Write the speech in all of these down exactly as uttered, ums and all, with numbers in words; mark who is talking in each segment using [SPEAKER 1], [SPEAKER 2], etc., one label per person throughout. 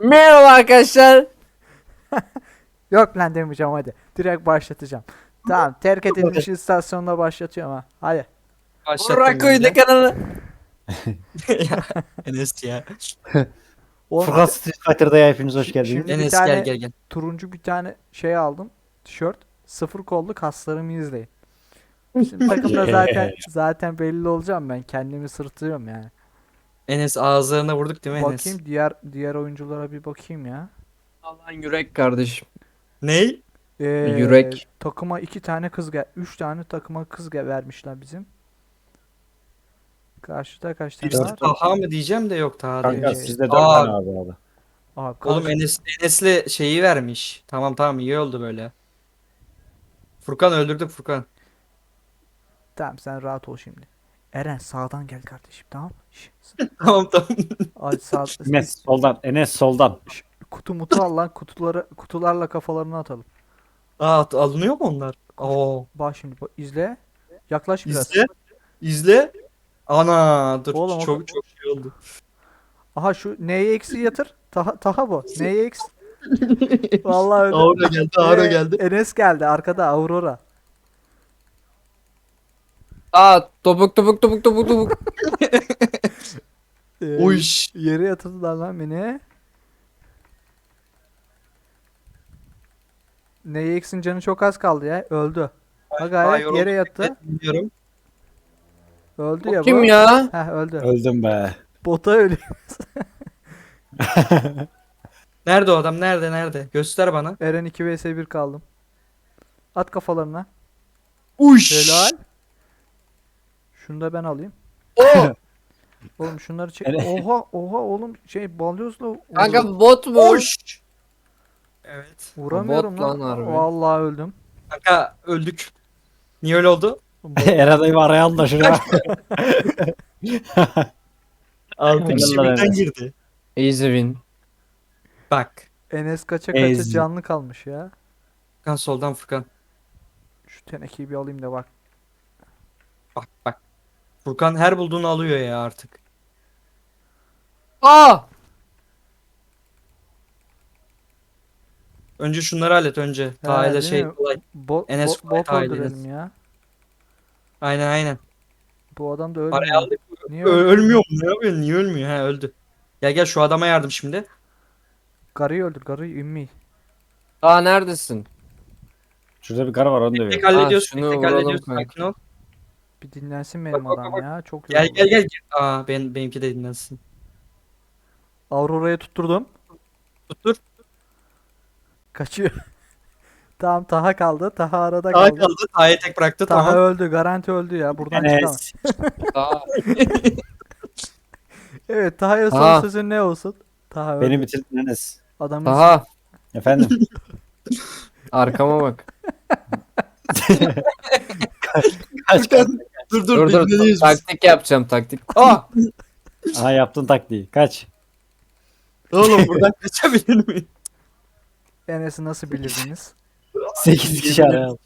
[SPEAKER 1] Merhaba arkadaşlar.
[SPEAKER 2] Yok lan demeyeceğim hadi. Direkt başlatacağım. Tamam, terk edilmiş istasyonda başlatıyorum ha. Hadi.
[SPEAKER 3] Başlattım
[SPEAKER 1] Burak
[SPEAKER 3] ben
[SPEAKER 1] Koydu
[SPEAKER 3] de.
[SPEAKER 1] kanalı.
[SPEAKER 3] Ya, Enes ya.
[SPEAKER 2] Oğlum,
[SPEAKER 4] Furkan Street Fighter'da hepiniz hoş
[SPEAKER 2] şi-
[SPEAKER 4] geldiniz.
[SPEAKER 2] Şimdi bir
[SPEAKER 3] Enes
[SPEAKER 2] tane
[SPEAKER 3] gel gel gel.
[SPEAKER 2] turuncu bir tane şey aldım. Tişört. Sıfır kollu, kaslarımı izleyin. Şimdi takımda zaten zaten belli olacağım ben. Kendimi sırtıyorum yani.
[SPEAKER 3] Enes ağızlarına vurduk değil mi Enes?
[SPEAKER 2] Bakayım diğer diğer oyunculara bir bakayım ya.
[SPEAKER 1] Allah'ın yürek kardeşim.
[SPEAKER 3] Ney?
[SPEAKER 2] Ee,
[SPEAKER 1] Yürek.
[SPEAKER 2] Takıma iki tane kız gel, üç tane takıma kız gel vermişler bizim. Karşıda kaç tane
[SPEAKER 3] Birisi
[SPEAKER 2] var?
[SPEAKER 3] Taha mı diyeceğim de yok Taha değil.
[SPEAKER 4] Kanka
[SPEAKER 2] Ee,
[SPEAKER 4] sizde dört
[SPEAKER 3] Aa.
[SPEAKER 4] tane abi abi.
[SPEAKER 2] Abi,
[SPEAKER 3] Oğlum
[SPEAKER 2] karşı-
[SPEAKER 3] Enes Enes'le şeyi vermiş. Tamam tamam iyi oldu böyle. Furkan öldürdük Furkan.
[SPEAKER 2] Tamam, sen rahat ol şimdi. Eren sağdan gel kardeşim, tamam mı? Şş,
[SPEAKER 3] Tamam tamam.
[SPEAKER 2] Ay sağ
[SPEAKER 4] Enes soldan. Enes soldan.
[SPEAKER 2] kutu mutu al lan, kutuları kutularla kafalarını atalım.
[SPEAKER 3] Aa at- alınıyor mu onlar? Oo.
[SPEAKER 2] Bak şimdi, bak, izle. Yaklaş biraz.
[SPEAKER 3] İzle. İzle. Ana dur
[SPEAKER 2] Oğlum, o-
[SPEAKER 3] çok çok şey oldu.
[SPEAKER 2] Aha, şu neye eksi yatır. Taha, taha bu. Neye eksi? Vallahi öyle.
[SPEAKER 3] Aura geldi Aura
[SPEAKER 2] Ee,
[SPEAKER 3] geldi.
[SPEAKER 2] Enes geldi arkada, Aurora.
[SPEAKER 1] Aa topuk topuk topuk topuk topuk.
[SPEAKER 2] Ee,
[SPEAKER 3] Uyş.
[SPEAKER 2] Yere yatırdılar lan beni. Neye eksin, canı çok az kaldı ya. Öldü. Ha,
[SPEAKER 3] Aa,
[SPEAKER 2] gayet
[SPEAKER 3] yoruldum.
[SPEAKER 2] yere yattı.
[SPEAKER 3] Bilmiyorum.
[SPEAKER 2] Öldü ya bu.
[SPEAKER 1] Kim ya?
[SPEAKER 2] Heh, öldü.
[SPEAKER 4] Öldüm be.
[SPEAKER 2] Bota ölüyor.
[SPEAKER 3] Nerede o adam? Nerede nerede? Göster bana.
[SPEAKER 2] Eren iki vs bir kaldım. At kafalarına.
[SPEAKER 3] Uş.
[SPEAKER 2] Helal. Şunu da ben alayım.
[SPEAKER 1] O.
[SPEAKER 2] Oğlum şunları çek.
[SPEAKER 4] Eren-
[SPEAKER 2] Oha oha oğlum, şey balyozla
[SPEAKER 1] Kanka bot mu?
[SPEAKER 3] Uş. Evet.
[SPEAKER 2] vuramıyorum
[SPEAKER 1] bot
[SPEAKER 2] lan.
[SPEAKER 1] lan harbi.
[SPEAKER 2] Vallahi öldüm.
[SPEAKER 3] Kanka öldük. Niye öyle oldu?
[SPEAKER 2] Bot-
[SPEAKER 4] Eren dayımı araya alın da şuraya.
[SPEAKER 3] Altı
[SPEAKER 4] Helal
[SPEAKER 3] kişi
[SPEAKER 4] lan
[SPEAKER 3] birden
[SPEAKER 4] Enes.
[SPEAKER 3] girdi.
[SPEAKER 1] Easy win.
[SPEAKER 3] Bak.
[SPEAKER 2] Enes kaça kaça
[SPEAKER 4] Ez.
[SPEAKER 2] canlı kalmış ya.
[SPEAKER 3] Furkan soldan Furkan.
[SPEAKER 2] Şu tenekeyi bir alayım da bak.
[SPEAKER 3] Bak bak. Furkan her bulduğunu alıyor ya artık.
[SPEAKER 1] Aa.
[SPEAKER 3] Önce şunları hallet önce. Ta ile
[SPEAKER 2] değil
[SPEAKER 3] şey
[SPEAKER 2] mi?
[SPEAKER 3] kolay.
[SPEAKER 2] Bot,
[SPEAKER 3] Enes
[SPEAKER 2] bot,
[SPEAKER 3] kolay
[SPEAKER 2] bot
[SPEAKER 3] tahil
[SPEAKER 2] öldürelim
[SPEAKER 3] Enes.
[SPEAKER 2] ya.
[SPEAKER 3] Aynen aynen.
[SPEAKER 2] Bu adam da
[SPEAKER 3] Parayı
[SPEAKER 2] ölmüyor.
[SPEAKER 3] aldık.
[SPEAKER 2] Niye
[SPEAKER 3] Ö-
[SPEAKER 2] ölmüyor?
[SPEAKER 3] ölmüyor mu? Ne yapıyor? Niye ölmüyor? Ha öldü. Gel gel şu adama yardım şimdi.
[SPEAKER 2] Garıyı öldür, garıyı, ümmi.
[SPEAKER 1] Aa neredesin?
[SPEAKER 4] Şurada bir karı var onu
[SPEAKER 3] Tek
[SPEAKER 4] dövüyor.
[SPEAKER 3] hallediyoruz.
[SPEAKER 1] şunu
[SPEAKER 3] Tek tek
[SPEAKER 1] vuralım
[SPEAKER 3] hallediyoruz.
[SPEAKER 1] kanka.
[SPEAKER 3] Sakin ol.
[SPEAKER 2] Bir dinlensin benim
[SPEAKER 3] Bak, bak,
[SPEAKER 2] adam
[SPEAKER 3] bak.
[SPEAKER 2] ya. Çok
[SPEAKER 3] Gel
[SPEAKER 2] yoruldu.
[SPEAKER 3] gel gel. Aa ben, benimki de dinlensin.
[SPEAKER 2] Aurora'ya tutturdum.
[SPEAKER 3] Tuttur.
[SPEAKER 2] Kaçıyor. Tamam, Taha kaldı. Taha arada
[SPEAKER 3] Taha
[SPEAKER 2] kaldı.
[SPEAKER 3] kaldı. Taha'yı tek bıraktı.
[SPEAKER 2] Taha
[SPEAKER 3] Tamam.
[SPEAKER 2] öldü. Garanti öldü ya. Buradan çıkamaz.
[SPEAKER 4] Enes.
[SPEAKER 1] Aa.
[SPEAKER 2] Evet, Taha'ya son
[SPEAKER 1] Taha.
[SPEAKER 2] sözün ne olsun? Taha öldü.
[SPEAKER 4] Beni bitirdin Enes.
[SPEAKER 2] Adamın
[SPEAKER 1] Aha.
[SPEAKER 4] Efendim.
[SPEAKER 1] Arkama bak.
[SPEAKER 4] Kaç kaç.
[SPEAKER 3] Dur
[SPEAKER 1] Dur dur.
[SPEAKER 3] dinleniyoruz biz.
[SPEAKER 1] Taktik yapacağım taktik. Aa.
[SPEAKER 4] Aha yaptın taktiği. Kaç.
[SPEAKER 3] Oğlum buradan kaçabilir miyim?
[SPEAKER 2] Enes'i nasıl bilirdiniz?
[SPEAKER 4] sekiz kişi araya al.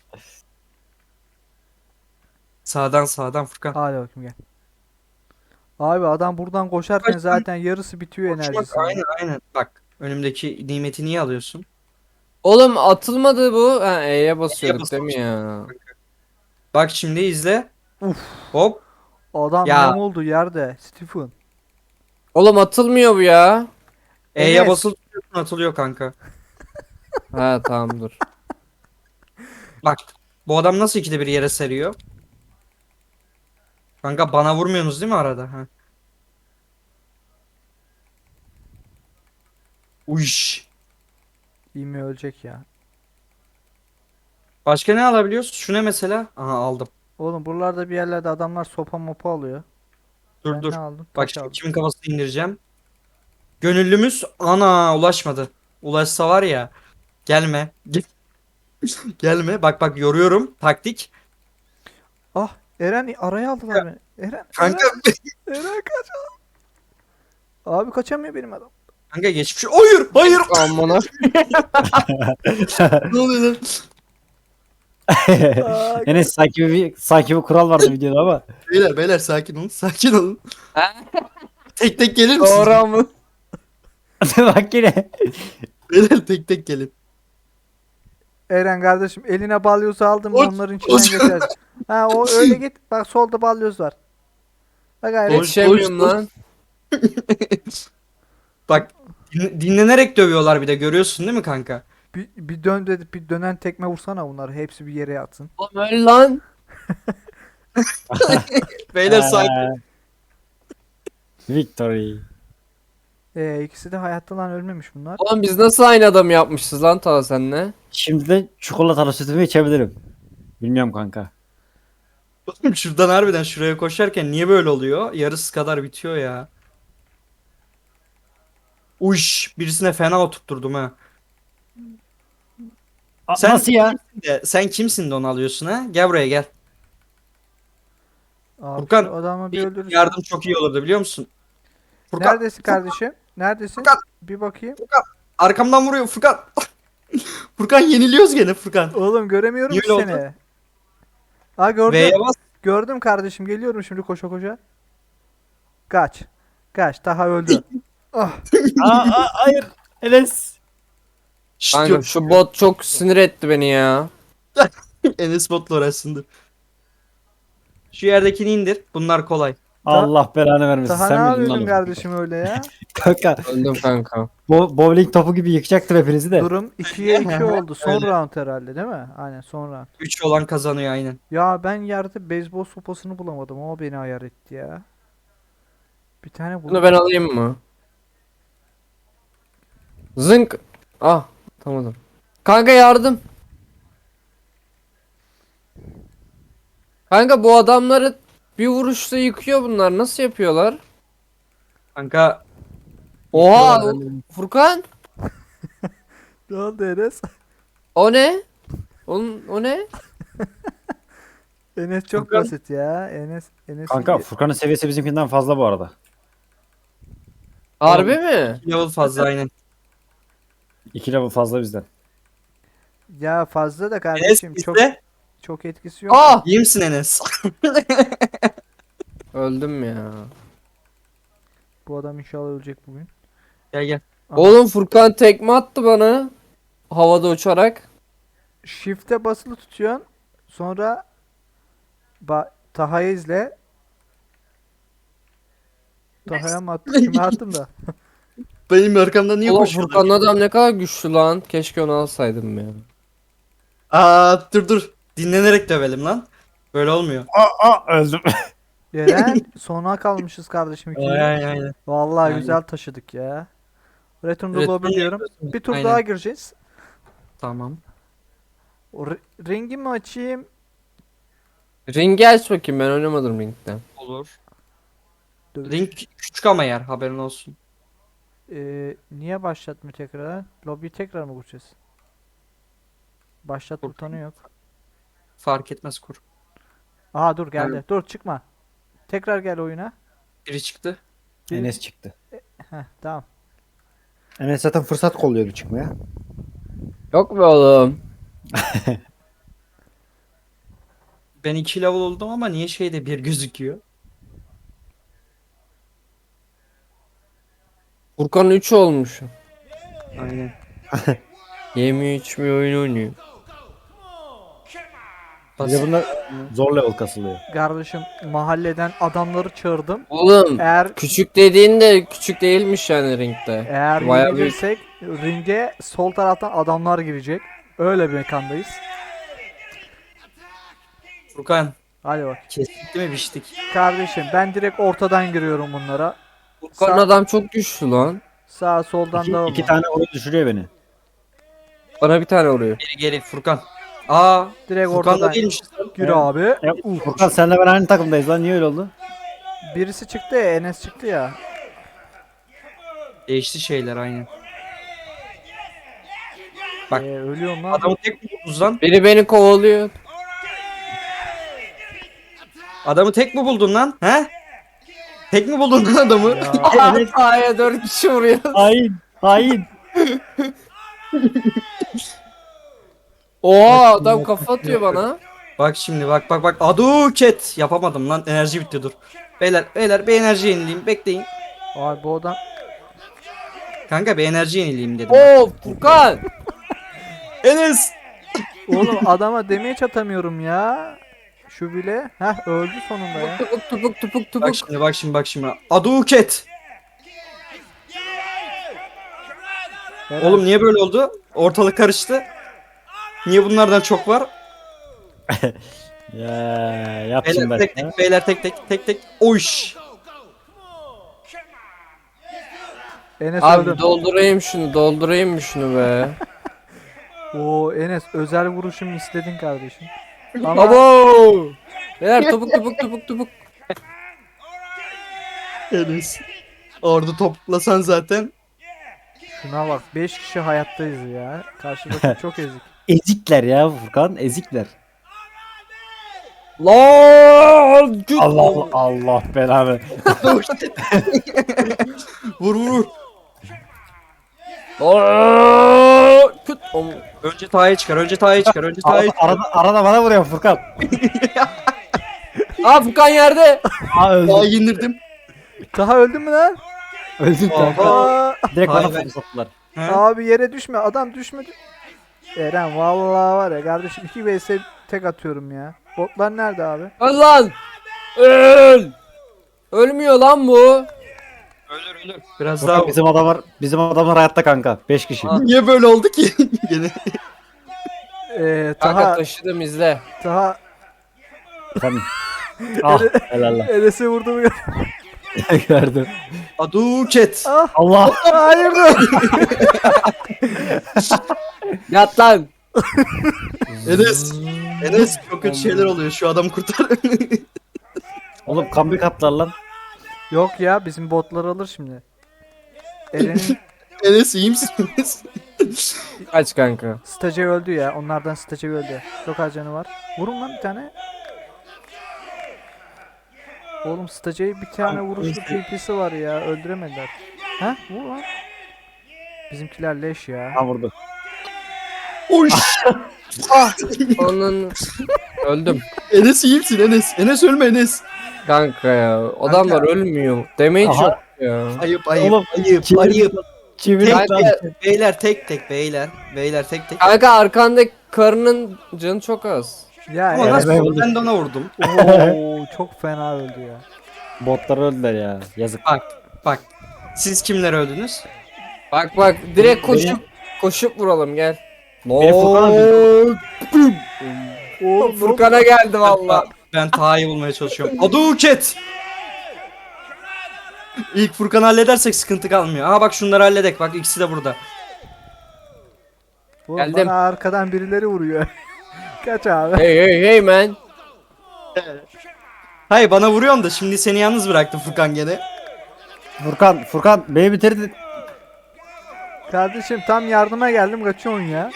[SPEAKER 3] Sağdan sağdan Furkan.
[SPEAKER 2] Hadi bakayım, gel. Abi adam buradan koşarken
[SPEAKER 3] Kaç-
[SPEAKER 2] zaten yarısı bitiyor
[SPEAKER 3] Koşmak,
[SPEAKER 2] enerjisi.
[SPEAKER 3] aynen aynen. Bak önümdeki nimeti niye alıyorsun?
[SPEAKER 1] Oğlum atılmadı bu. Ha, E'ye basıyorduk
[SPEAKER 3] E'ye
[SPEAKER 1] değil mi ya?
[SPEAKER 3] Bak şimdi izle.
[SPEAKER 2] Uf.
[SPEAKER 3] Hop.
[SPEAKER 2] Adam
[SPEAKER 3] Ya.
[SPEAKER 2] ne oldu yerde? Stephen.
[SPEAKER 1] Oğlum atılmıyor bu ya.
[SPEAKER 3] E'ye
[SPEAKER 2] Enes.
[SPEAKER 3] basılı tutuyorsun atılıyor kanka.
[SPEAKER 1] Ha tamam dur.
[SPEAKER 3] Bak bu adam nasıl ikide bir yere seriyor? Kanka bana vurmuyorsunuz değil mi arada? Ha. Uyş.
[SPEAKER 2] İyi mi, ölecek ya.
[SPEAKER 3] Başka ne alabiliyoruz? Şu ne mesela? Aha aldım.
[SPEAKER 2] Oğlum buralarda bir yerlerde adamlar sopa mopa alıyor.
[SPEAKER 3] Dur
[SPEAKER 2] Ben
[SPEAKER 3] dur.
[SPEAKER 2] ne aldım?
[SPEAKER 3] Bak
[SPEAKER 2] Taş
[SPEAKER 3] şimdi
[SPEAKER 2] aldım.
[SPEAKER 3] kimin kafasını indireceğim. Gönüllümüz ana ulaşmadı. Ulaşsa var ya. Gelme. Gel- Gelme. Bak bak yoruyorum. Taktik.
[SPEAKER 2] Ah, Eren araya aldılar beni. Eren,
[SPEAKER 3] Kanka
[SPEAKER 2] Eren, Eren kaç. Abi kaçamıyor benim adam.
[SPEAKER 3] kanka geçmiş. Hayır, hayır.
[SPEAKER 1] Amına.
[SPEAKER 3] Ne oluyor lan?
[SPEAKER 2] Aa,
[SPEAKER 4] Enes sanki bir, sanki bir kural vardı videoda ama.
[SPEAKER 3] Beyler beyler sakin olun. Sakin olun.
[SPEAKER 1] Ha?
[SPEAKER 3] Tek tek gelir misiniz?
[SPEAKER 1] Doğru mı?
[SPEAKER 4] Bak yine.
[SPEAKER 3] Beyler tek tek gelin.
[SPEAKER 2] Eren kardeşim eline balyozu aldım
[SPEAKER 3] Oç,
[SPEAKER 2] onların içinden
[SPEAKER 3] oç.
[SPEAKER 2] geçer. Ha o öyle git. Bak solda balyoz var. Bak gayret.
[SPEAKER 3] Oç.
[SPEAKER 1] Yetişemiyorum lan.
[SPEAKER 3] Bak din- dinlenerek dövüyorlar bir de görüyorsun değil mi kanka?
[SPEAKER 2] Bir, bir dön dedi bir dönen tekme vursana bunları. Hepsi bir yere yatsın.
[SPEAKER 1] Oğlum öyle lan.
[SPEAKER 3] Beyler sakin.
[SPEAKER 4] Ee, Victory.
[SPEAKER 2] Ee, ikisi de hayatta lan ölmemiş bunlar.
[SPEAKER 1] Oğlum biz nasıl aynı adam yapmışız lan ta senle?
[SPEAKER 4] Şimdi de çikolatalı sütümü içebilirim. Bilmiyorum kanka.
[SPEAKER 3] Oğlum şuradan harbiden şuraya koşarken niye böyle oluyor? Yarısı kadar bitiyor ya. Uş birisine fena oturtturdum ha.
[SPEAKER 4] A-
[SPEAKER 3] Sen-
[SPEAKER 4] Nasıl ya?
[SPEAKER 3] De, sen kimsin de onu alıyorsun ha? Gel buraya gel.
[SPEAKER 2] Abi
[SPEAKER 3] Furkan,
[SPEAKER 2] şu adamı bir
[SPEAKER 3] Bir
[SPEAKER 2] öldürürüz.
[SPEAKER 3] yardım çok iyi olurdu biliyor musun? Furkan,
[SPEAKER 2] Neredesin kardeşim? Neredesin?
[SPEAKER 3] Furkan.
[SPEAKER 2] Bir bakayım.
[SPEAKER 3] arkamdan vuruyor Furkan. Furkan yeniliyoruz gene Furkan.
[SPEAKER 2] Oğlum göremiyorum
[SPEAKER 3] Niye
[SPEAKER 2] ki
[SPEAKER 3] öyle
[SPEAKER 2] seni. Aa gördüm.
[SPEAKER 3] V'ye bas.
[SPEAKER 2] Gördüm kardeşim. Geliyorum şimdi koşa koşa. Kaç. Kaç. Daha öldü. Ah.
[SPEAKER 4] Aa, aa, hayır. Enes.
[SPEAKER 3] Şşt
[SPEAKER 1] Kanka
[SPEAKER 3] diyorum.
[SPEAKER 1] şu bot çok sinir etti beni ya.
[SPEAKER 3] Enes botla uğraşsındır. Şu yerdekini indir. Bunlar kolay.
[SPEAKER 4] Allah belanı vermesin.
[SPEAKER 2] Daha
[SPEAKER 4] Sen
[SPEAKER 2] ne
[SPEAKER 4] miydin
[SPEAKER 2] yapıyordun
[SPEAKER 4] lan o?
[SPEAKER 2] kardeşim öyle ya?
[SPEAKER 4] Kanka.
[SPEAKER 1] Öldüm kanka.
[SPEAKER 4] Bo bowling topu gibi yıkacaktım hepinizi de.
[SPEAKER 2] Durum ikiye iki oldu. Son
[SPEAKER 3] Öyle.
[SPEAKER 2] round herhalde değil mi? Aynen son round.
[SPEAKER 3] üç olan kazanıyor aynen.
[SPEAKER 2] Ya ben yerde beyzbol sopasını bulamadım. O beni ayar etti ya. Bir tane
[SPEAKER 1] Bunu
[SPEAKER 2] buldum.
[SPEAKER 1] ben alayım mı? Zınk. Ah tamam. Kanka yardım. Kanka bu adamları bir vuruşta yıkıyor bunlar. Nasıl yapıyorlar?
[SPEAKER 3] Kanka
[SPEAKER 1] Oha
[SPEAKER 3] Yıkıyorlar.
[SPEAKER 1] Furkan.
[SPEAKER 2] Ne oldu Enes?
[SPEAKER 1] O ne? Onun, o ne?
[SPEAKER 2] Enes çok
[SPEAKER 3] Furkan.
[SPEAKER 2] basit ya. Enes Enes
[SPEAKER 4] Kanka Furkan'ın seviyesi bizimkinden fazla bu arada.
[SPEAKER 1] Harbi mi?
[SPEAKER 3] level fazla aynen.
[SPEAKER 4] İki level fazla bizden.
[SPEAKER 2] ya fazla da
[SPEAKER 3] Enes
[SPEAKER 2] kardeşim çok
[SPEAKER 3] bizde.
[SPEAKER 2] çok etkisi yok.
[SPEAKER 1] Ah!
[SPEAKER 3] İyi misin Enes?
[SPEAKER 1] Öldüm ya.
[SPEAKER 2] Bu adam inşallah ölecek bugün.
[SPEAKER 3] Gel gel.
[SPEAKER 2] Aha.
[SPEAKER 1] Oğlum Furkan tekme attı bana. Havada uçarak.
[SPEAKER 2] Shift'e basılı tutuyorsun. Sonra ba Taha'yı izle. Taha'ya mı attım? Kime attım da?
[SPEAKER 3] Benim arkamdan niye
[SPEAKER 1] Oğlum
[SPEAKER 3] koşuyorsun?
[SPEAKER 1] Furkan'ın adam ne kadar güçlü lan. Keşke onu alsaydım ya.
[SPEAKER 3] Aa dur dur. Dinlenerek dövelim lan. Böyle olmuyor.
[SPEAKER 4] Aa, aa öldüm.
[SPEAKER 2] Eren sona kalmışız kardeşim
[SPEAKER 3] Aynen
[SPEAKER 2] ikiye.
[SPEAKER 3] aynen.
[SPEAKER 2] Vallahi
[SPEAKER 3] Aynen.
[SPEAKER 2] güzel taşıdık ya. Return to
[SPEAKER 3] Return
[SPEAKER 2] lobby diyorum.
[SPEAKER 3] yapıyorsun.
[SPEAKER 2] Bir tur
[SPEAKER 3] Aynen.
[SPEAKER 2] daha gireceğiz.
[SPEAKER 3] Tamam.
[SPEAKER 2] O ri- ringi mi açayım?
[SPEAKER 1] Ringi aç bakayım, ben oynamadım ringden.
[SPEAKER 3] Olur.
[SPEAKER 2] Dövüş.
[SPEAKER 3] Ring küçük ama yer haberin olsun.
[SPEAKER 2] Ee, niye başlatmıyor tekrar? Lobby tekrar mı kuracağız? Başlat
[SPEAKER 3] Kur.
[SPEAKER 2] butonu yok.
[SPEAKER 3] Fark etmez kur.
[SPEAKER 2] Aha dur geldi.
[SPEAKER 3] Evet.
[SPEAKER 2] Dur çıkma. Tekrar gel oyuna.
[SPEAKER 3] Biri çıktı.
[SPEAKER 2] Bir-
[SPEAKER 4] Enes çıktı.
[SPEAKER 2] Heh, tamam.
[SPEAKER 4] Enes zaten fırsat kolluyordu çıkmaya.
[SPEAKER 1] Yok be oğlum.
[SPEAKER 3] Ben iki level oldum ama niye şeyde bir gözüküyor?
[SPEAKER 1] Furkan üç olmuş.
[SPEAKER 3] Aynen.
[SPEAKER 1] Yemiyor içmiyor oyun oynuyor.
[SPEAKER 4] Bir de bunlar zor level kasılıyor.
[SPEAKER 2] Kardeşim mahalleden adamları çağırdım.
[SPEAKER 1] Oğlum
[SPEAKER 2] Eğer
[SPEAKER 1] küçük dediğin de küçük değilmiş yani ringde.
[SPEAKER 2] eğer
[SPEAKER 1] Bayağı
[SPEAKER 2] yenilirsek ringe sol taraftan adamlar girecek. Öyle bir mekandayız.
[SPEAKER 3] Furkan
[SPEAKER 2] Hadi bak.
[SPEAKER 3] kestik değil mi biçtik?
[SPEAKER 2] Kardeşim ben direkt ortadan giriyorum bunlara.
[SPEAKER 1] Furkan
[SPEAKER 2] Sağ-
[SPEAKER 1] adam çok güçlü lan.
[SPEAKER 2] Sağ soldan
[SPEAKER 4] İki,
[SPEAKER 2] da
[SPEAKER 4] iki tane oyun düşürüyor beni.
[SPEAKER 1] Bana bir tane vuruyor.
[SPEAKER 3] Geri geri Furkan. Aa
[SPEAKER 2] direkt
[SPEAKER 3] Furkan da
[SPEAKER 2] ortadan
[SPEAKER 3] değilmiş.
[SPEAKER 2] gir
[SPEAKER 4] Evet.
[SPEAKER 2] abi.
[SPEAKER 4] Ya, Furkan senle ben aynı takımdayız lan, niye öyle oldu?
[SPEAKER 2] Birisi çıktı ya, Enes çıktı ya.
[SPEAKER 3] Değişti şeyler aynen. Bak.
[SPEAKER 2] Ee, ölüyorum lan.
[SPEAKER 3] Adamı tek mi buldunuz lan?
[SPEAKER 1] Biri beni kovalıyor.
[SPEAKER 3] Adamı tek mi buldun lan? He? Tek mi buldun lan adamı?
[SPEAKER 2] Ya,
[SPEAKER 1] Aya dört kişi vuruyor.
[SPEAKER 4] Hain. Hain.
[SPEAKER 1] Oha adam kafa atıyor bana.
[SPEAKER 3] Bak şimdi bak bak bak. Aduket. Yapamadım lan. Enerji bitti dur. Beyler beyler bir enerji yenileyim. Bekleyin.
[SPEAKER 2] abi bu adam
[SPEAKER 3] Kanka bir enerji yenileyim dedim.
[SPEAKER 1] Oo Furkan.
[SPEAKER 3] Enes.
[SPEAKER 2] Oğlum adama damage atamıyorum ya. Şu bile. Heh öldü sonunda ya.
[SPEAKER 1] Tupuk tupuk tupuk tupuk.
[SPEAKER 3] Bak şimdi bak şimdi bak şimdi. Aduket.
[SPEAKER 2] Helal.
[SPEAKER 3] Oğlum niye böyle oldu? Ortalık karıştı. Niye bunlardan çok var?
[SPEAKER 4] Ya yap şimdi
[SPEAKER 3] Beyler
[SPEAKER 4] bak
[SPEAKER 3] tek
[SPEAKER 4] ya.
[SPEAKER 3] tek, beyler tek tek tek tek. Oyş.
[SPEAKER 2] Enes
[SPEAKER 1] Abi
[SPEAKER 2] öldü.
[SPEAKER 1] doldurayım şunu doldurayım mı şunu be.
[SPEAKER 2] Oo Enes özel vuruşumu istedin kardeşim. Ama
[SPEAKER 1] Abo. Beyler tupuk tupuk tupuk tupuk.
[SPEAKER 3] Enes. Orada toplasan zaten.
[SPEAKER 2] şuna bak beş kişi hayattayız ya. Karşıdaki çok ezik.
[SPEAKER 4] Ezikler ya Furkan, ezikler.
[SPEAKER 1] Lan. Küt.
[SPEAKER 4] Allah Allah belanı.
[SPEAKER 3] Vur vur vur.
[SPEAKER 1] Aa, Küt. Om-
[SPEAKER 3] Önce Taha'ya çıkar. Önce Taha'ya çıkar. Önce Taha'ya
[SPEAKER 4] Arada,
[SPEAKER 3] çıkar.
[SPEAKER 4] arada, arada bana vuruyor Furkan.
[SPEAKER 1] Aa Furkan yerde.
[SPEAKER 4] Aa öldüm.
[SPEAKER 3] Taha'yı indirdim.
[SPEAKER 2] Daha öldün mü lan?
[SPEAKER 4] Öldüm kanka.
[SPEAKER 2] Aa,
[SPEAKER 4] Direkt
[SPEAKER 3] Hayır,
[SPEAKER 4] bana
[SPEAKER 3] ben-
[SPEAKER 4] fokus attılar.
[SPEAKER 3] He?
[SPEAKER 2] abi yere düşme. Adam düşmedi. Eren vallahi var ya kardeşim iki vs tek atıyorum ya. Botlar nerede abi?
[SPEAKER 1] Öl lan. Öl. Ölmüyor lan bu.
[SPEAKER 3] Ölür ölür. Biraz
[SPEAKER 4] Furkan
[SPEAKER 3] daha.
[SPEAKER 4] bizim adamlar bizim adamlar hayatta kanka. beş kişi.
[SPEAKER 1] Ha.
[SPEAKER 3] Niye böyle oldu ki? Gene.
[SPEAKER 2] Ee,
[SPEAKER 1] Kanka
[SPEAKER 2] Taha,
[SPEAKER 1] taşıdım izle.
[SPEAKER 2] Taha
[SPEAKER 4] Efendim. Ah helal lan.
[SPEAKER 2] Enes'e vurdu mu?
[SPEAKER 4] Gördüm.
[SPEAKER 3] Aduket.
[SPEAKER 2] Ah
[SPEAKER 4] Allah.
[SPEAKER 2] hayır dur.
[SPEAKER 1] Yat lan.
[SPEAKER 3] Enes. Enes çok kötü şeyler oluyor. Şu adamı kurtar.
[SPEAKER 4] Oğlum comeback attılar lan.
[SPEAKER 2] Yok ya bizim botlar alır şimdi. Eren'in
[SPEAKER 3] Enes iyi misin Enes?
[SPEAKER 1] Kaç kanka.
[SPEAKER 2] stajyer öldü ya. Onlardan stajyer öldü. Çok az canı var. Vurun lan bir tane. Oğlum stajyer bir tane vuruşlu P P'si var ya. Öldüremediler. Ha? Vur lan. Bizimkiler leş ya.
[SPEAKER 4] Ha vurdu.
[SPEAKER 3] Oş.
[SPEAKER 1] Onun öldüm.
[SPEAKER 3] Enes iyi misin Enes? Enes ölme Enes.
[SPEAKER 1] Kanka ya. Adamlar ölmüyor. Damage
[SPEAKER 4] Aha.
[SPEAKER 1] yok ya.
[SPEAKER 3] Ayıp ayıp.
[SPEAKER 4] Oğlum,
[SPEAKER 3] ayıp
[SPEAKER 4] kim-
[SPEAKER 3] ayıp.
[SPEAKER 4] Çevir
[SPEAKER 3] Tek
[SPEAKER 4] lan.
[SPEAKER 3] tek. Beyler tek tek beyler. Beyler tek tek.
[SPEAKER 1] Kanka arkandaki karının canı çok az.
[SPEAKER 2] Ya
[SPEAKER 3] Ama
[SPEAKER 4] Evet,
[SPEAKER 3] nasıl
[SPEAKER 4] ben
[SPEAKER 3] oldu?
[SPEAKER 4] buldum.
[SPEAKER 3] Ben de ona vurdum.
[SPEAKER 2] Oo, çok fena öldü ya.
[SPEAKER 4] Botlar öldüler ya. Yazık.
[SPEAKER 3] Bak bak. Siz kimler öldünüz?
[SPEAKER 1] Bak bak direkt
[SPEAKER 4] Benim-
[SPEAKER 1] koşup koşup vuralım gel.
[SPEAKER 4] Beni Furkan'a
[SPEAKER 1] Oğlum
[SPEAKER 2] Oğlum
[SPEAKER 1] Furkan'a geldi valla.
[SPEAKER 3] Ben Taha'yı bulmaya çalışıyorum. Aduket. İlk Furkan'ı halledersek sıkıntı kalmıyor. Aha bak şunları halledek. Bak ikisi de burada.
[SPEAKER 2] Oğlum,
[SPEAKER 1] Geldim.
[SPEAKER 2] bana arkadan birileri vuruyor. Kaç abi.
[SPEAKER 1] Hey hey hey man.
[SPEAKER 3] Hayır bana vuruyorsun da şimdi seni yalnız bıraktım Furkan gene.
[SPEAKER 4] Furkan, Furkan beni bitirdin.
[SPEAKER 2] Kardeşim tam yardıma geldim kaçıyorsun ya.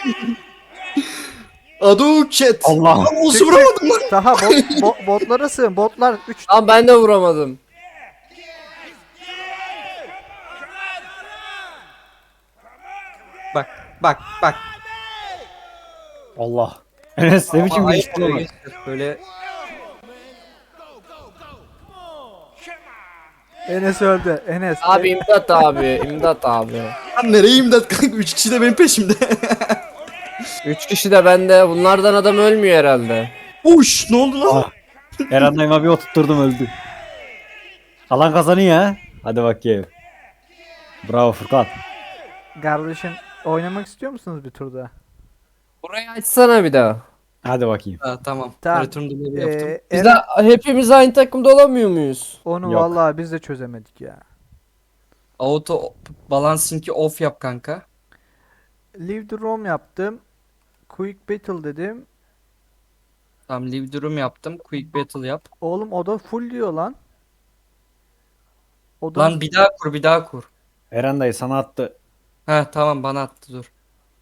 [SPEAKER 3] Aduket.
[SPEAKER 4] Allah.
[SPEAKER 3] Lan olsun vuramadım lan.
[SPEAKER 2] Daha bot, bo- botlara sığın. Botlar üç
[SPEAKER 1] Lan ben de vuramadım.
[SPEAKER 3] Bak bak bak.
[SPEAKER 4] Allah. Enes ne biçim
[SPEAKER 3] Aa,
[SPEAKER 4] geçti
[SPEAKER 3] ayıp
[SPEAKER 4] lan?
[SPEAKER 3] geçti. Böyle
[SPEAKER 2] Enes öldü. Enes.
[SPEAKER 1] Abi imdat abi imdat abi.
[SPEAKER 3] lan nereye imdat kanka? Üç kişi de benim peşimde.
[SPEAKER 1] Üç kişi de bende. Bunlardan adam ölmüyor herhalde.
[SPEAKER 3] Uş ne oldu lan?
[SPEAKER 4] Ah. Eren dayıma bir oturtturdum öldü. Alan kazanıyor ha. Hadi bakayım. Bravo Furkan.
[SPEAKER 2] Kardeşim oynamak istiyor musunuz bir turda?
[SPEAKER 1] Burayı açsana bir daha.
[SPEAKER 4] Hadi bakayım.
[SPEAKER 3] Ha, tamam.
[SPEAKER 2] Tamam.
[SPEAKER 3] Return delay yaptım.
[SPEAKER 2] Ee,
[SPEAKER 1] Biz
[SPEAKER 2] Eren,
[SPEAKER 1] de hepimiz aynı takımda olamıyor muyuz?
[SPEAKER 2] onu
[SPEAKER 4] Yok.
[SPEAKER 2] vallahi biz de çözemedik ya.
[SPEAKER 3] Auto balancing'i off yap kanka.
[SPEAKER 2] Leave the room yaptım. Quick battle dedim.
[SPEAKER 3] Tamam leave the room yaptım. Quick battle yap.
[SPEAKER 2] Oğlum o da full diyor lan. O da
[SPEAKER 3] Lan bir daha kur bir daha kur.
[SPEAKER 4] Eren dayı sana attı.
[SPEAKER 3] Ha tamam bana attı dur.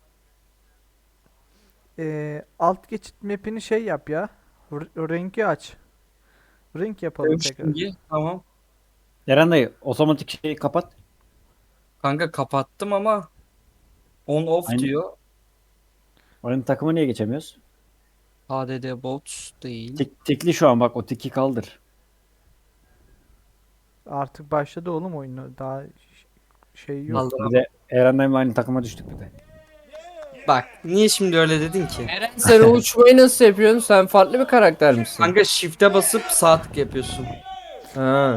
[SPEAKER 2] Ee, alt geçit map'ini şey yap ya. R- rengi aç. Renk yapalım tekrar.
[SPEAKER 3] Şimdi tamam.
[SPEAKER 4] Eren dayı otomatik şeyi kapat.
[SPEAKER 3] Kanka kapattım ama on off
[SPEAKER 4] Aynen.
[SPEAKER 3] diyor.
[SPEAKER 4] Oyun takımı niye geçemiyoruz?
[SPEAKER 3] H D D bots değil.
[SPEAKER 4] Tik, tikli şu an bak o tiki kaldır.
[SPEAKER 2] Artık başladı oğlum oyunu. Daha ş- şey yok.
[SPEAKER 3] Kaldır.
[SPEAKER 4] Bir de Eren'le aynı takıma düştük bir de.
[SPEAKER 3] Bak niye şimdi öyle dedin ki?
[SPEAKER 1] Eren sen o uçmayı nasıl yapıyorsun? Sen farklı bir karakter misin?
[SPEAKER 3] Kanka shift'e basıp sağ tık yapıyorsun.
[SPEAKER 1] Ha.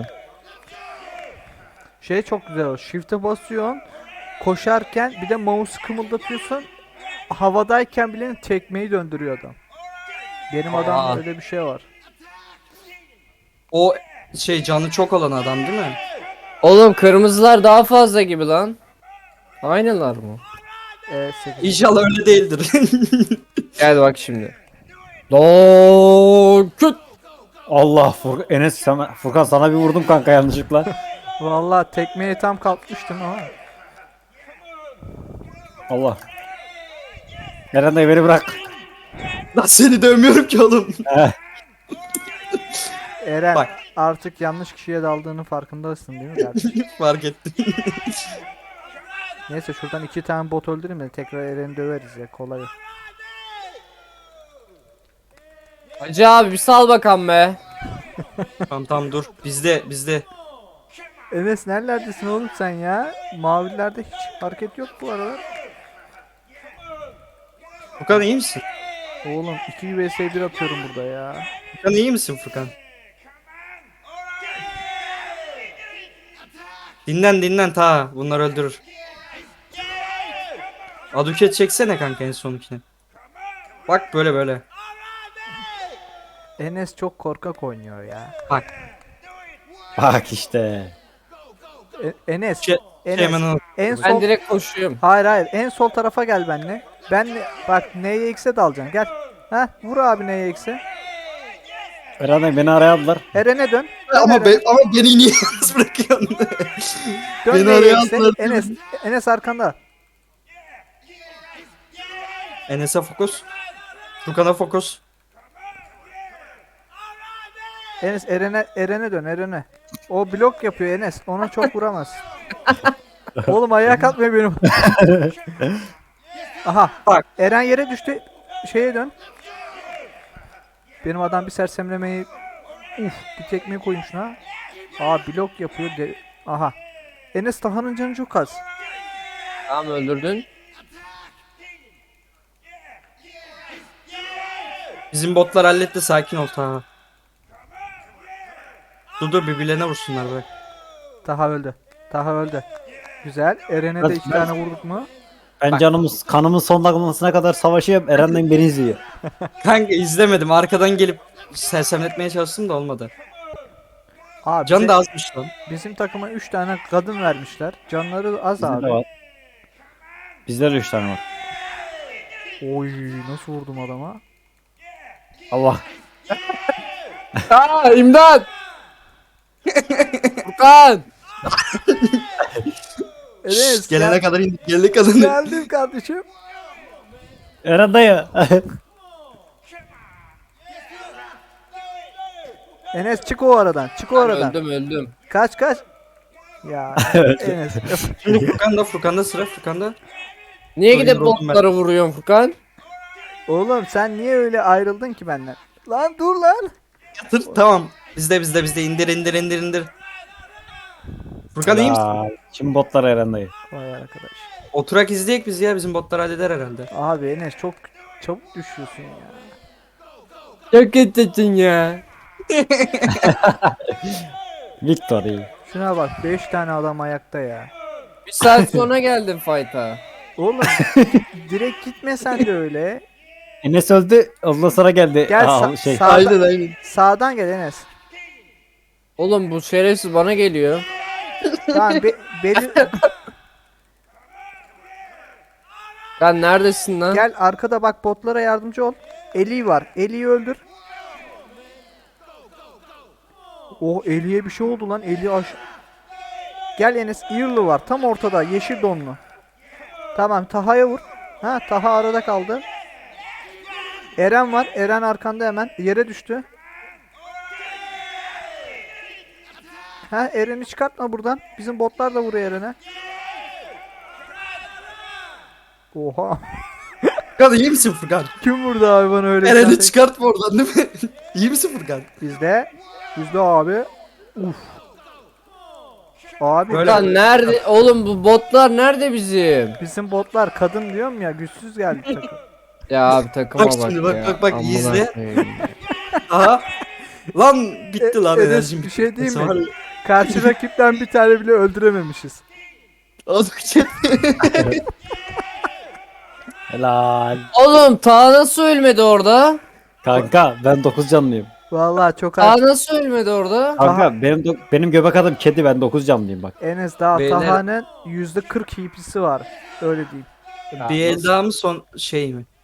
[SPEAKER 2] Şey çok güzel o. Shift'e basıyorsun. Koşarken bir de mouse'u kımıldatıyorsun. Havadayken bile tekmeyi döndürüyor adam. Benim
[SPEAKER 3] Aa.
[SPEAKER 2] adamda öyle bir şey var.
[SPEAKER 3] O şey canı çok olan adam değil mi?
[SPEAKER 1] Oğlum kırmızılar daha fazla gibi lan. Aynılar mı?
[SPEAKER 2] Ee, sekiz.
[SPEAKER 3] İnşallah öyle değildir.
[SPEAKER 1] Gel bak şimdi. Dokut.
[SPEAKER 4] Allah Fur Enes sana, Furkan sana bir vurdum kanka yanlışlıkla.
[SPEAKER 2] Vallahi tekmeye tam kalkmıştım ama.
[SPEAKER 4] Allah. Eren dayı beni bırak.
[SPEAKER 3] Lan seni dövmüyorum ki oğlum.
[SPEAKER 4] Eh,
[SPEAKER 2] Eren
[SPEAKER 3] Bak.
[SPEAKER 2] artık yanlış kişiye daldığının farkındasın değil mi kardeşim?
[SPEAKER 3] Fark ettim.
[SPEAKER 2] Neyse şuradan iki tane bot öldüreyim de tekrar Eren'i döveriz ya kolay. o.
[SPEAKER 1] Hacı abi bir sal bakalım be.
[SPEAKER 3] Tamam tamam dur. Bizde bizde.
[SPEAKER 2] Enes nerelerdesin oğlum sen ya? Mavilerde hiç hareket yok bu aralar.
[SPEAKER 3] Furkan iyi misin?
[SPEAKER 2] Oğlum iki vs bir atıyorum burada ya.
[SPEAKER 3] Furkan iyi misin Furkan? Dinlen dinlen ta. Bunlar öldürür. Aduket çeksene kanka en sonunkine. Bak böyle böyle.
[SPEAKER 2] Enes çok korkak oynuyor ya.
[SPEAKER 3] Bak.
[SPEAKER 4] bak işte.
[SPEAKER 2] E- Enes,
[SPEAKER 3] Şey,
[SPEAKER 2] Enes
[SPEAKER 3] şey hemen al.
[SPEAKER 2] en
[SPEAKER 1] Ben
[SPEAKER 2] sol
[SPEAKER 1] direkt koşuyorum.
[SPEAKER 2] Hayır hayır en sol tarafa gel benle. Ben bak N'ye X'e dalacaksın gel. Ha vur abi N'ye X'e.
[SPEAKER 4] Eren dayı beni araya aldılar.
[SPEAKER 2] Eren'e dön. Dön
[SPEAKER 3] Ama,
[SPEAKER 2] Eren'e.
[SPEAKER 3] be, ama beni niye yalnız bırakıyorsun?
[SPEAKER 2] Dön
[SPEAKER 3] beni
[SPEAKER 2] N'ye
[SPEAKER 3] araya
[SPEAKER 2] X'e.
[SPEAKER 3] atmadın.
[SPEAKER 2] Enes Enes arkanda.
[SPEAKER 3] Enes'e fokus. Furkan'a fokus.
[SPEAKER 2] Enes Eren'e Eren'e dön Eren'e. O blok yapıyor Enes. Ona çok vuramaz. Oğlum ayağa kalkmıyor benim. Aha.
[SPEAKER 3] Bak.
[SPEAKER 2] Eren yere düştü. Şeye dön. Benim adam bir sersemlemeyi uf bir tekmeyi koymuş ha. Aa blok yapıyor. De aha. Enes Taha'nın canı çok az.
[SPEAKER 1] Tamam öldürdün.
[SPEAKER 3] Bizim botlar halletti sakin ol ta. Dur dur birbirlerine vursunlar bırak.
[SPEAKER 2] Taha öldü. Taha öldü. Güzel. Eren'e de
[SPEAKER 4] Ben-
[SPEAKER 2] iki
[SPEAKER 4] ben-
[SPEAKER 2] tane vurduk mu?
[SPEAKER 4] Ben
[SPEAKER 3] Bak.
[SPEAKER 4] canımız kanımın son damlasına kadar savaşıyorum. Eren dayı beni izliyor.
[SPEAKER 3] Kanka izlemedim arkadan gelip sersemletmeye çalıştım da olmadı.
[SPEAKER 2] Abi
[SPEAKER 3] Can
[SPEAKER 2] bize-
[SPEAKER 3] da azmış lan.
[SPEAKER 2] bizim takıma üç tane kadın vermişler. Canları az
[SPEAKER 4] Bizde
[SPEAKER 2] abi.
[SPEAKER 4] de var. Bizde de üç tane var.
[SPEAKER 2] Oy nasıl vurdum adama?
[SPEAKER 4] Allah.
[SPEAKER 1] Aa imdat. Furkan.
[SPEAKER 2] Enes
[SPEAKER 3] Gelene
[SPEAKER 2] gel-
[SPEAKER 3] kadar indik gelene kadar.
[SPEAKER 2] geldim kardeşim.
[SPEAKER 4] Eren dayı.
[SPEAKER 2] Enes çık o aradan. Çık o aradan.
[SPEAKER 1] Öldüm öldüm.
[SPEAKER 2] Kaç kaç. Ya Enes.
[SPEAKER 3] Şimdi Furkan'da Furkan'da sıra Furkan'da.
[SPEAKER 1] Niye
[SPEAKER 3] Dur,
[SPEAKER 1] gidip
[SPEAKER 3] yoruldum ben.
[SPEAKER 1] botları vuruyorsun Furkan?
[SPEAKER 2] Oğlum sen niye öyle ayrıldın ki benden? Lan dur lan.
[SPEAKER 3] Yatır tamam. Bizde bizde bizde indir indir indir indir. Furkan iyi misin?
[SPEAKER 4] Aa, Şimdi botlar Eren dayı.
[SPEAKER 2] Vay arkadaş.
[SPEAKER 3] Oturak izleyek biz ya bizim botlar halleder herhalde.
[SPEAKER 2] Abi Enes çok çabuk düşüyorsun ya.
[SPEAKER 1] Çok kötüsün ya.
[SPEAKER 4] Victory.
[SPEAKER 2] Şuna bak beş tane adam ayakta ya.
[SPEAKER 1] Bir saat sonra geldim fight'a.
[SPEAKER 2] Oğlum direkt gitme sen de öyle.
[SPEAKER 4] Enes öldü. Ondan sonra geldi.
[SPEAKER 2] Gel
[SPEAKER 4] Aa,
[SPEAKER 2] sa-
[SPEAKER 4] şey.
[SPEAKER 2] sağdan,
[SPEAKER 3] aynen.
[SPEAKER 2] sağdan gel Enes.
[SPEAKER 1] Oğlum bu şerefsiz bana geliyor.
[SPEAKER 2] Tamam be, beli,
[SPEAKER 1] Sen neredesin lan?
[SPEAKER 2] gel arkada bak botlara yardımcı ol. Eli var. Eli'yi öldür. Oh Eli'ye bir şey oldu lan. Eli aş. Gel Enes. Earl'ı var. Tam ortada. Yeşil donlu. Tamam Taha'ya vur. Ha Taha arada kaldı. Eren var. Eren arkanda hemen. Yere düştü. Ha Eren'i çıkartma buradan. Bizim botlar da vuruyor Eren'e. Oha.
[SPEAKER 3] Furkan iyi misin Furkan?
[SPEAKER 2] Kim vurdu abi bana öyle?
[SPEAKER 3] Eren'i
[SPEAKER 2] bir tane?
[SPEAKER 3] çıkartma oradan değil mi? İyi misin Furkan?
[SPEAKER 2] Bizde. Bizde abi. Uf. Abi
[SPEAKER 3] Böyle-
[SPEAKER 1] Lan nerede? Oğlum bu botlar nerede bizim?
[SPEAKER 2] bizim botlar kadın diyorum ya, güçsüz geldi takım.
[SPEAKER 1] Ya abi takıma
[SPEAKER 3] Bak
[SPEAKER 1] bak,
[SPEAKER 3] şimdi, bak,
[SPEAKER 1] ya.
[SPEAKER 3] bak, bak,
[SPEAKER 1] Amına
[SPEAKER 3] izle.
[SPEAKER 1] koyayım.
[SPEAKER 3] Aha. Lan bitti lan
[SPEAKER 2] E- Enes,
[SPEAKER 3] enerjim.
[SPEAKER 2] bir şey diyeyim mi?
[SPEAKER 3] Var ya.
[SPEAKER 2] Karşı rakipten bir tane bile öldürememişiz.
[SPEAKER 3] Azıcık.
[SPEAKER 4] Helal.
[SPEAKER 1] Oğlum ta nasıl ölmedi orada?
[SPEAKER 4] Kanka ben dokuz canlıyım.
[SPEAKER 2] Vallahi çok
[SPEAKER 1] Ta
[SPEAKER 2] az.
[SPEAKER 1] nasıl ölmedi orada?
[SPEAKER 4] Kanka benim dok- benim göbek adım kedi, ben dokuz canlıyım bak.
[SPEAKER 2] Enes daha
[SPEAKER 3] Beyler-
[SPEAKER 2] Taha'nın yüzde kırk H P'si var. Öyle diyeyim.
[SPEAKER 3] Bir el daha mı son şey mi?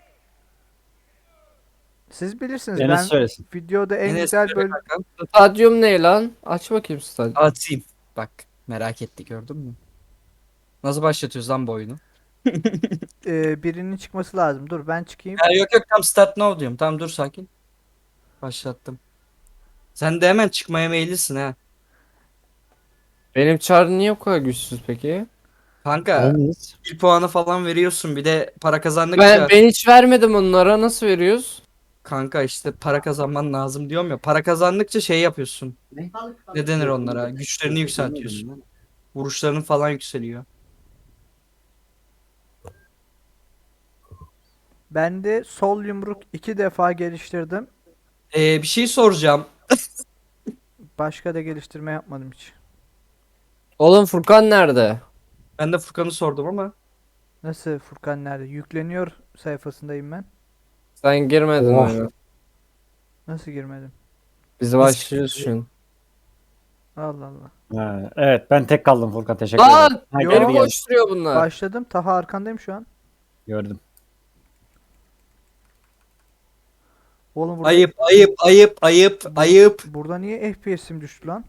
[SPEAKER 2] Siz bilirsiniz,
[SPEAKER 4] Enes
[SPEAKER 2] ben
[SPEAKER 4] söylesin.
[SPEAKER 2] videoda en
[SPEAKER 3] Enes
[SPEAKER 2] güzel
[SPEAKER 3] söyle
[SPEAKER 2] bölüm.
[SPEAKER 3] kankam.
[SPEAKER 1] Stadyum ne lan? Aç bakayım stadyum.
[SPEAKER 3] Atayım. Bak merak etti, gördün mü? Nasıl başlatıyoruz lan bu oyunu?
[SPEAKER 2] Ee, birinin çıkması lazım. Dur ben çıkayım.
[SPEAKER 3] Ya yok yok, tam start now diyorum. Tamam dur, sakin. Başlattım. Sen de hemen çıkmaya meyillisin ha.
[SPEAKER 1] Benim çar niye bu kadar güçsüz peki?
[SPEAKER 3] Kanka
[SPEAKER 4] Enes.
[SPEAKER 3] bir puanı falan veriyorsun, bir de para kazandıkça
[SPEAKER 1] Ben, ben hiç vermedim onlara. Nasıl veriyoruz?
[SPEAKER 3] kanka işte para kazanman lazım diyorum ya. Para kazandıkça şey yapıyorsun. Ne denir onlara? Güçlerini yükseltiyorsun. Vuruşların falan yükseliyor.
[SPEAKER 2] Ben de sol yumruk iki defa geliştirdim.
[SPEAKER 3] Ee, bir şey soracağım.
[SPEAKER 2] Başka da geliştirme yapmadım hiç.
[SPEAKER 1] Oğlum Furkan nerede?
[SPEAKER 3] Ben de Furkan'ı sordum ama.
[SPEAKER 2] Nasıl, Furkan nerede? Yükleniyor sayfasındayım ben.
[SPEAKER 1] Sen girmedin
[SPEAKER 4] Oh.
[SPEAKER 1] oyuna.
[SPEAKER 2] Nasıl girmedim?
[SPEAKER 1] Biz başlıyoruz şu an.
[SPEAKER 2] Allah Allah.
[SPEAKER 4] Ha, evet ben tek kaldım Furkan, teşekkür ederim.
[SPEAKER 1] Lan!
[SPEAKER 4] Ha,
[SPEAKER 2] Yok.
[SPEAKER 4] geldi
[SPEAKER 1] Beni
[SPEAKER 4] geldi.
[SPEAKER 1] koşturuyor bunlar.
[SPEAKER 2] Başladım. Taha arkandayım şu an.
[SPEAKER 4] Gördüm.
[SPEAKER 2] Oğlum burada,
[SPEAKER 3] Ayıp ayıp ayıp ayıp ayıp.
[SPEAKER 2] burada niye F P S'im düştü lan?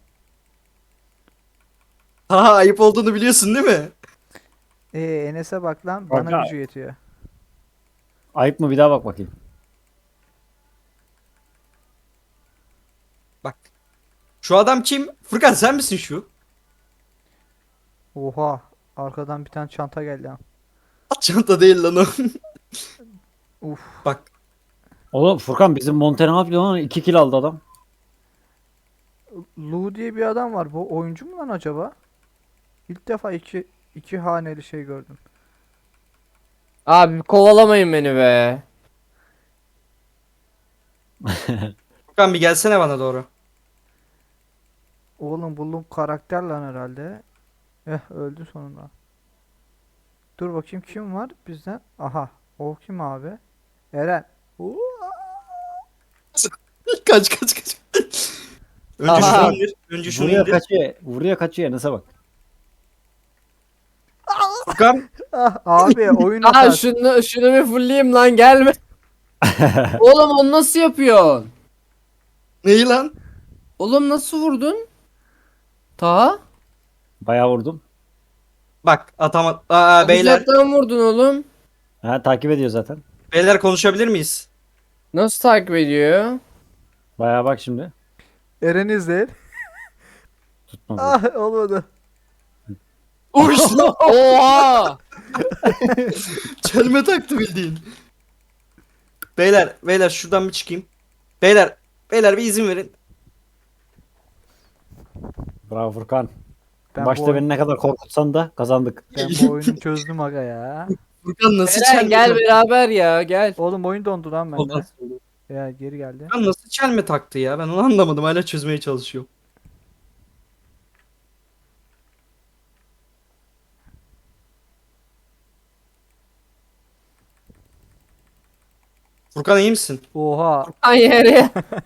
[SPEAKER 3] Ha, ayıp olduğunu biliyorsun değil mi?
[SPEAKER 2] Ee Enes'e bak lan. Bana
[SPEAKER 4] Kanka.
[SPEAKER 2] gücü yetiyor.
[SPEAKER 4] Ayıp mı, bir daha bak bakayım.
[SPEAKER 3] Bak. Şu adam kim? Furkan sen misin şu?
[SPEAKER 2] Oha. Arkadan bir tane çanta geldi ha.
[SPEAKER 3] Çanta değil lan o.
[SPEAKER 2] Uf.
[SPEAKER 3] Bak.
[SPEAKER 4] Oğlum Furkan bizim Montero ne yapıyor lan? iki kill aldı adam.
[SPEAKER 2] Lu diye bir adam var. Bu oyuncu mu lan acaba? İlk defa iki iki haneli şey gördüm.
[SPEAKER 1] Abi kovalamayın beni be.
[SPEAKER 3] Furkan bir gelsene bana doğru.
[SPEAKER 2] Oğlum bu Lu karakter lan herhalde. Eh, öldü sonunda. Dur bakayım kim var bizden? Aha. O kim abi? Eren. Oo.
[SPEAKER 3] Kaç kaç kaç. Önce
[SPEAKER 1] Aha.
[SPEAKER 3] şunu indir. Önce şunu
[SPEAKER 4] Vuruyor
[SPEAKER 3] indir.
[SPEAKER 4] kaçıyor. Vuruyor kaçıyor, Enes'e bak.
[SPEAKER 3] Furkan.
[SPEAKER 2] Ah abi, oyun
[SPEAKER 1] Aa
[SPEAKER 2] hatası.
[SPEAKER 1] şunu, şunu bir fullleyeyim lan, gelme. Oğlum onu nasıl yapıyorsun?
[SPEAKER 3] Neyi lan?
[SPEAKER 1] Oğlum nasıl vurdun? Ta?
[SPEAKER 4] Bayağı vurdum.
[SPEAKER 3] Bak atama. Aa beyler.
[SPEAKER 1] Uzaktan vurdun oğlum.
[SPEAKER 4] Ha, takip ediyor zaten.
[SPEAKER 3] Beyler konuşabilir miyiz?
[SPEAKER 1] Nasıl takip ediyor?
[SPEAKER 4] Bayağı bak şimdi.
[SPEAKER 2] Eren izleyin.
[SPEAKER 4] Tutmadı.
[SPEAKER 2] Ah, olmadı.
[SPEAKER 3] Uş.
[SPEAKER 1] Oha!
[SPEAKER 3] Çelme taktı bildiğin. Beyler, beyler şuradan bir çıkayım. Beyler, beyler bir izin verin.
[SPEAKER 4] Bravo Furkan.
[SPEAKER 2] Ben
[SPEAKER 4] Başta
[SPEAKER 2] bu, oyun-
[SPEAKER 4] beni ne kadar korkutsan da kazandık.
[SPEAKER 2] ben bu oyunu çözdüm aga ya.
[SPEAKER 3] Furkan nasıl
[SPEAKER 1] Eren
[SPEAKER 3] çelme
[SPEAKER 1] gel
[SPEAKER 3] taktı?
[SPEAKER 1] beraber ya, gel.
[SPEAKER 2] Oğlum oyun dondu lan bende.
[SPEAKER 3] Olmaz.
[SPEAKER 2] Ya geri geldi.
[SPEAKER 3] Furkan nasıl çelme taktı ya? Ben onu anlamadım. Hala çözmeye çalışıyorum. Furkan iyi misin?
[SPEAKER 2] Oha.
[SPEAKER 1] Ay yere.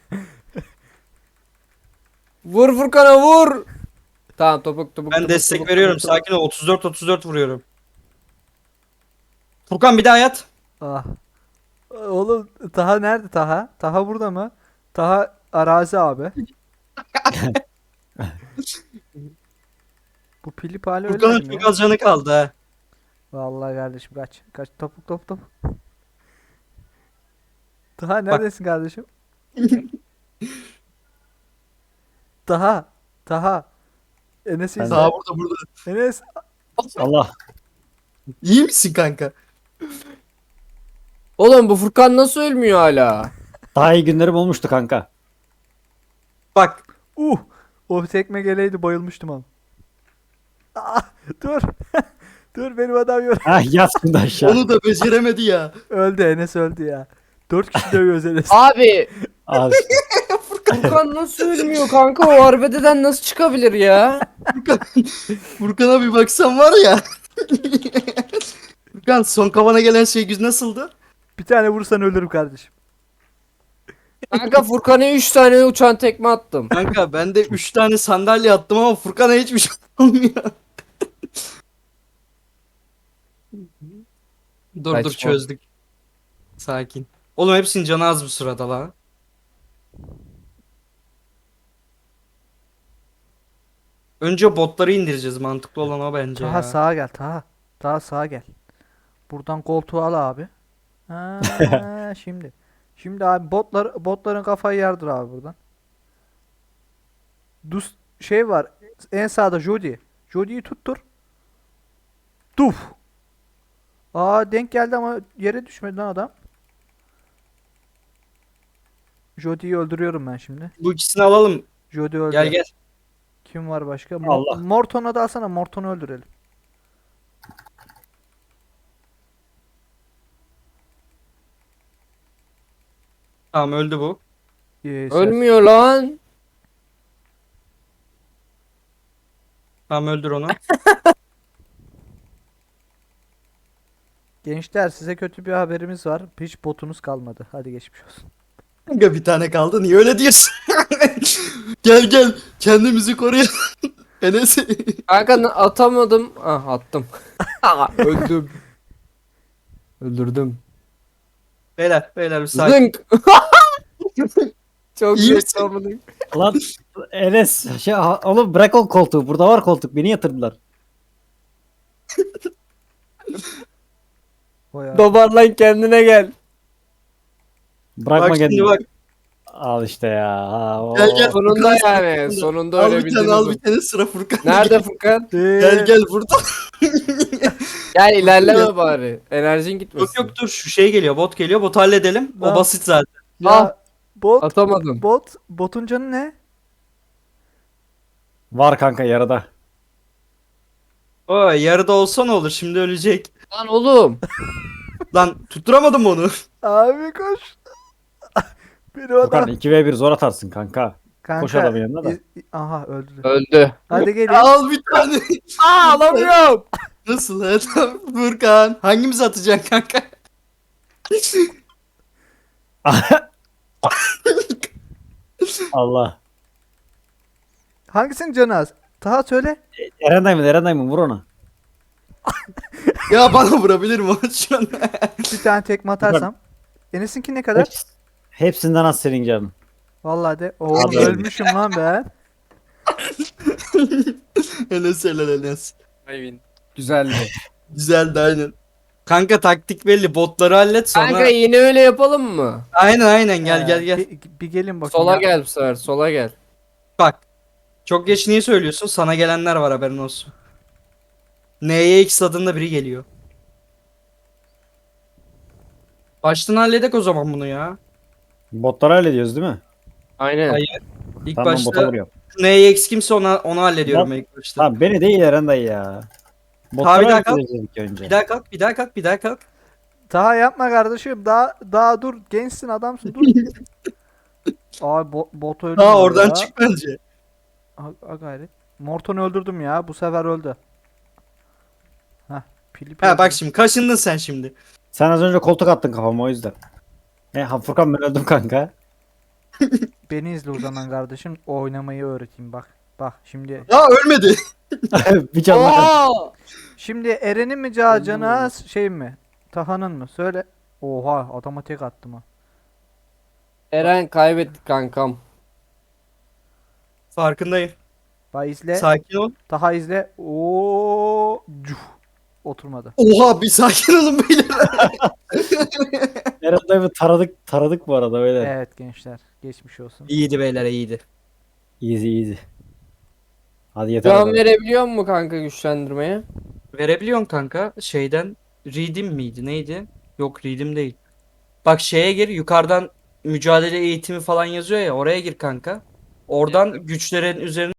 [SPEAKER 1] Vur Furkan'a vur. Tamam topuk topuk.
[SPEAKER 3] Ben
[SPEAKER 1] topuk,
[SPEAKER 3] destek
[SPEAKER 1] topuk,
[SPEAKER 3] veriyorum.
[SPEAKER 1] topuk, topuk.
[SPEAKER 3] Sakin ol. otuz dört otuz dört vuruyorum. Furkan bir daha yat.
[SPEAKER 2] Ah. Oğlum Taha nerede Taha? Taha burada mı? Taha arazi abi. Bu Pilip hali
[SPEAKER 3] Furkan'ın
[SPEAKER 2] ölmedi mi
[SPEAKER 3] çok
[SPEAKER 2] ya?
[SPEAKER 3] az canı kaldı ha.
[SPEAKER 2] Vallahi kardeşim kaç. Kaç topuk top top. Taha neredesin kardeşim? Taha. Taha. Enes'i
[SPEAKER 4] Ben
[SPEAKER 2] izle.
[SPEAKER 3] Daha burada burada.
[SPEAKER 2] Enes.
[SPEAKER 4] Allah.
[SPEAKER 3] İyi misin kanka?
[SPEAKER 1] Oğlum bu Furkan nasıl ölmüyor hala?
[SPEAKER 4] Daha iyi günlerim olmuştu kanka.
[SPEAKER 3] Bak.
[SPEAKER 2] Uh. O tekme geleydi bayılmıştım ama. Aa, dur. Dur benim adam yok.
[SPEAKER 4] Ha yat şimdi aşağı.
[SPEAKER 3] Onu da beceremedi ya.
[SPEAKER 2] Öldü Enes öldü ya. Dört kişi dövüyoruz Enes.
[SPEAKER 1] Abi
[SPEAKER 4] Al işte.
[SPEAKER 1] Furkan nasıl ölmüyor kanka, o arbededen nasıl çıkabilir ya?
[SPEAKER 3] Furkan'a bir baksan var ya. Furkan son kafana gelen şey güz nasıldı?
[SPEAKER 2] Bir tane vursan ölürüm kardeşim.
[SPEAKER 1] Kanka Furkan'a üç tane uçan tekme attım.
[SPEAKER 3] Kanka ben de üç tane sandalye attım ama Furkan'a hiçbir şey olmuyor. Dur dur
[SPEAKER 1] Saçma.
[SPEAKER 3] çözdük. Sakin. Oğlum hepsinin canı az bu sırada la. Önce botları indireceğiz. Mantıklı olan o bence
[SPEAKER 2] Taha
[SPEAKER 3] ya.
[SPEAKER 2] sağa gel Taha. Taha sağa gel. Buradan koltuğu al abi. Ha, şimdi. Şimdi abi botlar botların kafayı yardır abi buradan. Dus şey var. En sağda Jody. Jody'yi tuttur. Duf. Aa denk geldi ama yere düşmedi lan adam. Jody'yi öldürüyorum ben şimdi.
[SPEAKER 3] Bu ikisini alalım.
[SPEAKER 2] Jody öldü.
[SPEAKER 3] Gel gel.
[SPEAKER 2] Kim var başka? Mo-
[SPEAKER 4] Allah.
[SPEAKER 2] Morton'a da alsana. Morton'u öldürelim.
[SPEAKER 3] Tamam öldü bu.
[SPEAKER 2] Ee, sen-
[SPEAKER 1] Ölmüyor lan.
[SPEAKER 3] Tamam öldür onu.
[SPEAKER 2] Gençler size kötü bir haberimiz var. Hiç botunuz kalmadı. Hadi geçmiş olsun.
[SPEAKER 3] Kanka bir tane kaldı. Niye öyle diyorsun? Gel gel. Kendimizi koruyalım. Enes.
[SPEAKER 1] Kanka na- atamadım. Ah attım. Öldüm. Öldürdüm.
[SPEAKER 3] Beyler beyler bir sakin.
[SPEAKER 1] Zınk. Çok
[SPEAKER 3] İyi
[SPEAKER 1] iyi
[SPEAKER 3] misin?
[SPEAKER 1] savundun.
[SPEAKER 4] Lan Enes şey ha- oğlum bırak o koltuğu. Burada var koltuk. Beni yatırdılar.
[SPEAKER 2] O ya.
[SPEAKER 1] Dobarlan kendine gel.
[SPEAKER 4] Bırakma
[SPEAKER 3] Bak şimdi
[SPEAKER 4] kendini.
[SPEAKER 3] bak.
[SPEAKER 4] Al işte ya. Ha, o-
[SPEAKER 3] Gel, gel.
[SPEAKER 1] Sonunda
[SPEAKER 3] Furkan,
[SPEAKER 1] yani.
[SPEAKER 3] sonunda.
[SPEAKER 1] Sonunda
[SPEAKER 3] Al
[SPEAKER 1] öyle
[SPEAKER 3] bir tane
[SPEAKER 1] bildiniz.
[SPEAKER 3] al
[SPEAKER 1] o.
[SPEAKER 3] bir tane sıra Furkan.
[SPEAKER 1] Nerede Furkan?
[SPEAKER 2] Ee,
[SPEAKER 3] Gel gel burada.
[SPEAKER 1] Gel ilerleme bari. Enerjin gitmesin.
[SPEAKER 3] Yok yok dur şu şey geliyor bot geliyor botu halledelim. O
[SPEAKER 2] Lan.
[SPEAKER 3] basit zaten.
[SPEAKER 2] Ya
[SPEAKER 1] Ah.
[SPEAKER 2] bot
[SPEAKER 1] Atamadım.
[SPEAKER 2] bot botun canı ne?
[SPEAKER 4] Var kanka yarıda.
[SPEAKER 3] O yarıda olsa ne olur şimdi ölecek.
[SPEAKER 1] Lan oğlum.
[SPEAKER 3] Lan tutturamadım onu.
[SPEAKER 2] Abi koş. Benim
[SPEAKER 4] Furkan
[SPEAKER 2] adam.
[SPEAKER 4] iki ve bir zor atarsın kanka.
[SPEAKER 2] Kanka.
[SPEAKER 4] koş adamın yanına da.
[SPEAKER 2] iz- Aha öldü.
[SPEAKER 1] Öldü.
[SPEAKER 2] Hadi gelin.
[SPEAKER 3] Al bir tane.
[SPEAKER 1] Aa alamıyorum.
[SPEAKER 3] Nasıl ha? Tamam, Furkan. Hangimiz atacaksın kanka?
[SPEAKER 4] Allah.
[SPEAKER 2] Hangisinin canı az? Taha söyle.
[SPEAKER 4] Eren Diamond, Eren Diamond vur ona.
[SPEAKER 3] Ya bana vurabilir mi o şu an?
[SPEAKER 2] Bir tane tekme atarsam. Enes'inki ne kadar?
[SPEAKER 4] Heps- hepsinden az senin canın.
[SPEAKER 2] Vallahi de. Oğlum
[SPEAKER 4] Abi.
[SPEAKER 2] ölmüşüm lan ben.
[SPEAKER 3] Enes helal Enes.
[SPEAKER 1] Güzeldi.
[SPEAKER 3] Güzeldi aynen. Kanka taktik belli. Botları hallet sonra.
[SPEAKER 1] Kanka yine öyle yapalım mı?
[SPEAKER 3] Aynen aynen gel
[SPEAKER 2] Ee,
[SPEAKER 3] gel gel.
[SPEAKER 2] Bir, bir gelin bakayım.
[SPEAKER 1] Sola
[SPEAKER 2] ya.
[SPEAKER 1] gel bu sefer. Sola gel.
[SPEAKER 3] Bak. Çok geç niye söylüyorsun? Sana gelenler var haberin olsun. N'ye X adında biri geliyor. Baştan halledek o zaman bunu ya.
[SPEAKER 4] Botları hallediyoruz değil mi?
[SPEAKER 1] Aynen.
[SPEAKER 3] Hayır. İlk
[SPEAKER 4] Tamam bota
[SPEAKER 3] başta
[SPEAKER 4] vuruyorum.
[SPEAKER 3] N'ye X kimse ona onu hallediyorum
[SPEAKER 4] Lan-
[SPEAKER 3] ilk başta.
[SPEAKER 4] Tamam beni değil Eren dayı ya.
[SPEAKER 3] bir
[SPEAKER 4] Botları
[SPEAKER 3] dakika.
[SPEAKER 4] halledeceğiz ilk önce.
[SPEAKER 3] Bir daha kalk, bir daha kalk, bir daha kalk.
[SPEAKER 2] Taha yapma kardeşim. Daha daha dur. Gençsin adamsın dur. Abi bo bot öldü.
[SPEAKER 3] Ha
[SPEAKER 2] bu
[SPEAKER 3] oradan
[SPEAKER 2] arada.
[SPEAKER 3] çık bence.
[SPEAKER 2] Ha, ha gayret. Morton'u öldürdüm ya. Bu sefer öldü. Hah. Pili
[SPEAKER 3] Ha bak şimdi kaşındın sen şimdi.
[SPEAKER 4] Sen az önce koltuk attın kafama o yüzden. E ha Furkan ben öldüm kanka.
[SPEAKER 2] Beni izle o zaman kardeşim. Oynamayı öğreteyim bak. Bak şimdi.
[SPEAKER 3] Ya ölmedi.
[SPEAKER 4] bir can var.
[SPEAKER 1] Oha!
[SPEAKER 2] Şimdi Eren'in mi ca- canı az şey mi? Taha'nın mı? Söyle. Oha adama tek attım ha.
[SPEAKER 1] Eren kaybettik kankam.
[SPEAKER 3] Farkındayım.
[SPEAKER 2] Bak izle.
[SPEAKER 3] Sakin ol.
[SPEAKER 2] Taha izle. Oo, cuh. Oturmadı.
[SPEAKER 3] Oha bir sakin olun beyler.
[SPEAKER 4] Eren dayı taradık taradık bu arada böyle.
[SPEAKER 2] Evet gençler. Geçmiş olsun.
[SPEAKER 3] İyiydi beyler iyiydi.
[SPEAKER 4] Easy easy. Hadi yeter.
[SPEAKER 1] Can
[SPEAKER 4] o kadar.
[SPEAKER 1] verebiliyor mu kanka güçlendirmeye?
[SPEAKER 3] Verebiliyorsun kanka şeyden. Redeem miydi neydi? Yok Redeem değil. Bak şeye gir yukarıdan mücadele eğitimi falan yazıyor ya oraya gir kanka. Oradan güçlerin üzerine